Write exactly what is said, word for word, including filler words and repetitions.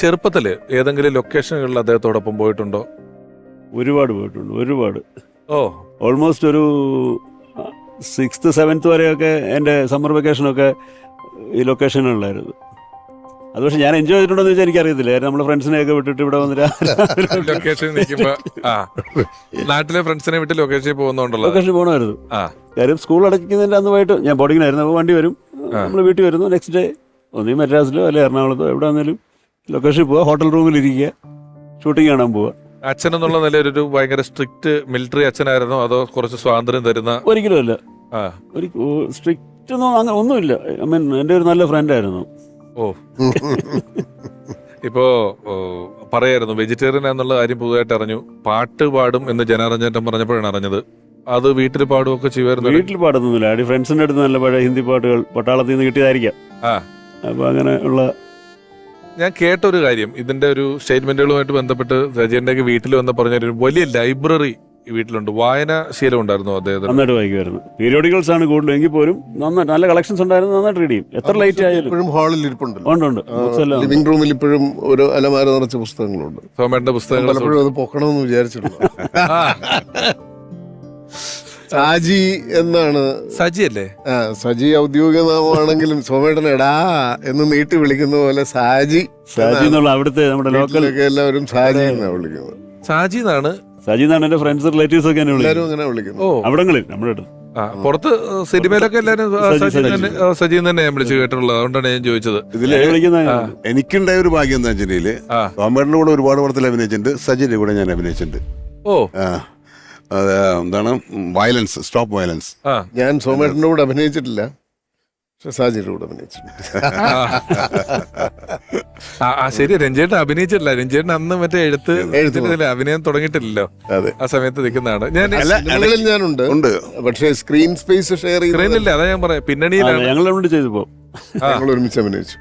ചെറുപ്പത്തില് ഏതെങ്കിലും ലൊക്കേഷനുകളിൽ അദ്ദേഹത്തോടൊപ്പം പോയിട്ടുണ്ടോ? ഒരുപാട് പോയിട്ടുണ്ട്, ഒരുപാട്. ഓ, ഓൾമോസ്റ്റ് ഒരു സിക്സ്ത് സെവൻത്ത് വരെയൊക്കെ എൻ്റെ സമ്മർ വെക്കേഷനൊക്കെ ഈ ലൊക്കേഷനുകളിലായിരുന്നു. അത് പക്ഷെ ഞാൻ എൻജോയ് ചെയ്തിട്ടുണ്ടോന്ന് വെച്ചാൽ എനിക്കറിയത്തില്ല. നമ്മുടെ ഫ്രണ്ട്സിനെയൊക്കെ വിട്ടിട്ട് ഇവിടെ വന്നിട്ട് ലൊക്കേഷനിൽ നിൽക്കുമ്പോ ആ നാട്ടിലെ ഫ്രണ്ട്സിനെ വിട്ട് ലൊക്കേഷനിൽ പോകുന്നുണ്ടല്ലോ. ലൊക്കേഷൻ പോകണമായിരുന്നു. ആ കാര്യം സ്കൂൾ അടയ്ക്കുന്നതിൻ്റെ അന്ന് പോയിട്ട് ഞാൻ ബോർഡിങ്ങിനായിരുന്നു. അപ്പോൾ വണ്ടി വരും, നമ്മൾ വീട്ടിൽ വരുന്നു. നെക്സ്റ്റ് ഡേ ഒന്നീ മദ്രാസിലോ അല്ലെ എറണാകുളത്തോ എവിടെ വന്നാലും ലൊക്കേഷനിൽ പോവുക, ഹോട്ടൽ റൂമിൽ ഇരിക്കുക, ഷൂട്ടിംഗ് കാണാൻ പോവുക. അച്ഛൻ എന്നുള്ള നിലയിൽ ഒരു ഭയങ്കര സ്ട്രിക്റ്റ് മിലിറ്ററി അച്ഛനായിരുന്നോ അതോ കുറച്ച് സ്വാതന്ത്ര്യം തരുന്ന? ഒരിക്കലും അല്ല, ആ ഒരിക്കലും സ്ട്രിക്റ്റ് ഒന്നും അങ്ങനെ ഒന്നുമില്ല. ഐ മീൻ എൻ്റെ ഒരു നല്ല ഫ്രണ്ടായിരുന്നു. ഓ ഇപ്പോ പറയായിരുന്നു വെജിറ്റേറിയൻ എന്നുള്ള കാര്യം പുതുതായിട്ട് അറിഞ്ഞു. പാട്ട് പാടും എന്ന് ജനാരഞ്ജൻ പറഞ്ഞപ്പോഴാണ് അറിഞ്ഞത്. അത് വീട്ടിൽ പാടുമൊക്കെ ചെയ്യുമായിരുന്നു? വീട്ടിൽ പാടുന്നില്ല, അടി ഫ്രണ്ട്സിൻ്റെ അടുത്ത് നല്ല പഴയ ഹിന്ദി പാട്ടുകൾ പട്ടാളത്തിൽ നിന്ന് കിട്ടിയതായിരിക്കാം. ആ അപ്പോൾ അങ്ങനെ ഉള്ള ഞാൻ കേട്ടൊരു കാര്യം, ഇതിന്റെ ഒരു സ്റ്റേറ്റ്മെന്റുകളുമായിട്ട് ബന്ധപ്പെട്ട് സജീന്റെ വീട്ടിൽ വന്ന് പറഞ്ഞൊരു വലിയ ലൈബ്രറി വീട്ടിലുണ്ട്. വായനാശീലം ഉണ്ടായിരുന്നു അദ്ദേഹത്തിന്? നന്നായിട്ട് വായിക്കുമായിരുന്നു. പീരിയോഡിക്കൽസ് ആണ് കൂടുതലും, എങ്കിൽ പോലും നന്നായിട്ട് നല്ല കളക്ഷൻസ് ഉണ്ടായിരുന്നു. നന്നായിട്ട് റീഡ് ചെയ്യും. എത്ര ലൈറ്റ് ആയാലും. ഇപ്പോഴും ഹാളിൽ ഇരിപ്പുണ്ടല്ലോ. ഉണ്ട് ഉണ്ട് ബുക്സ് എല്ലാം. ലിവിംഗ് റൂമിൽ ഇപ്പോഴും ഒരു അലമാര നിറച്ച പുസ്തകങ്ങളുണ്ട്. സോമേട്ടന്റെ പുസ്തകങ്ങൾ പലപ്പോഴും അത് പൊക്കണമെന്ന് വിചാരിച്ചിട്ടുണ്ട്. സാജി എന്നാണ്. സജി അല്ലേ? ആ, സജി ഔദ്യോഗിക നാമമാണെങ്കിലും സോമേട്ടൻ എടാ എന്ന് നീട്ടി വിളിക്കുന്ന പോലെ സാജി സാജി എന്നുള്ള അവിടുത്തെ നമ്മുടെ ലോക്കൽ എല്ലാവരും സാജി എന്നാണ് വിളിക്കുന്നത്. സാജി എന്നാണ്. സാജി എന്നാണ് എന്റെ ഫ്രണ്ട്സ് റിലേറ്റീവ്സ് ഒക്കെ എന്നെ എല്ലാവരും വിളിക്കുന്നത്. അങ്ങനെ വിളിക്കുന്നു. ഓ, അവിടങ്ങളിൽ നമ്മുടെ അടുത്ത് ആ പുറത്ത് സിനിമയിലൊക്കെ എല്ലാരും സജി, സജി സജി. തന്നെ സജി തന്നെ ഞാൻ വിളിച്ചു കേട്ടിട്ടുള്ളത്. അതുകൊണ്ടാണ് ഞാൻ ചോദിച്ചത്. ഇതില് എന്നെ വിളിക്കുന്ന എനിക്കുണ്ടായ ഒരു ഭാഗ്യം എന്താ വെച്ചിട്ടുണ്ടെങ്കില് ആ. സോമേട്ടൻ്റെ കൂടെ ഒരുപാട് പടത്തിൽ അഭിനയിച്ചിട്ടുണ്ട്. സജിന്റെ കൂടെ ഞാൻ അഭിനയിച്ചിട്ടുണ്ട്. ഓ ആ, അത് എന്താണ് വയലൻസ്, സ്റ്റോപ്പ് വയലൻസ്. ആ ഞാൻ സോമേട്ടൻ്റെ കൂടെ അഭിനയിച്ചിട്ടില്ല, പക്ഷെ സാജിയുടെ കൂടെ അഭിനയിച്ചിട്ടുണ്ട്. ആ, ആ ശരി. രഞ്ജേട്ടൻ അഭിനയിച്ചിട്ടില്ല. രഞ്ജേട്ടൻ അന്ന് മറ്റേ എഴുത്ത് എഴുത്ത് ഇതിലെ അഭിനയം തുടങ്ങിയിട്ടില്ലല്ലോ. അതെ, ആ സമയത്ത് നിൽക്കുന്നതാണ് ഞാൻ. സിനിമകളിൽ ഞാനുണ്ട്, ഉണ്ട്. പക്ഷേ സ്ക്രീൻ സ്പേസ് ഷെയർ സ്ക്രീനില്ല, അതാ ഞാൻ പറയാം, പിന്നണിയിലാണ്. ഞങ്ങൾ അവിടെ ചെയ്തു പോകും. ഞങ്ങൾ ഒരുമിച്ച് അഭിനയിച്ചു.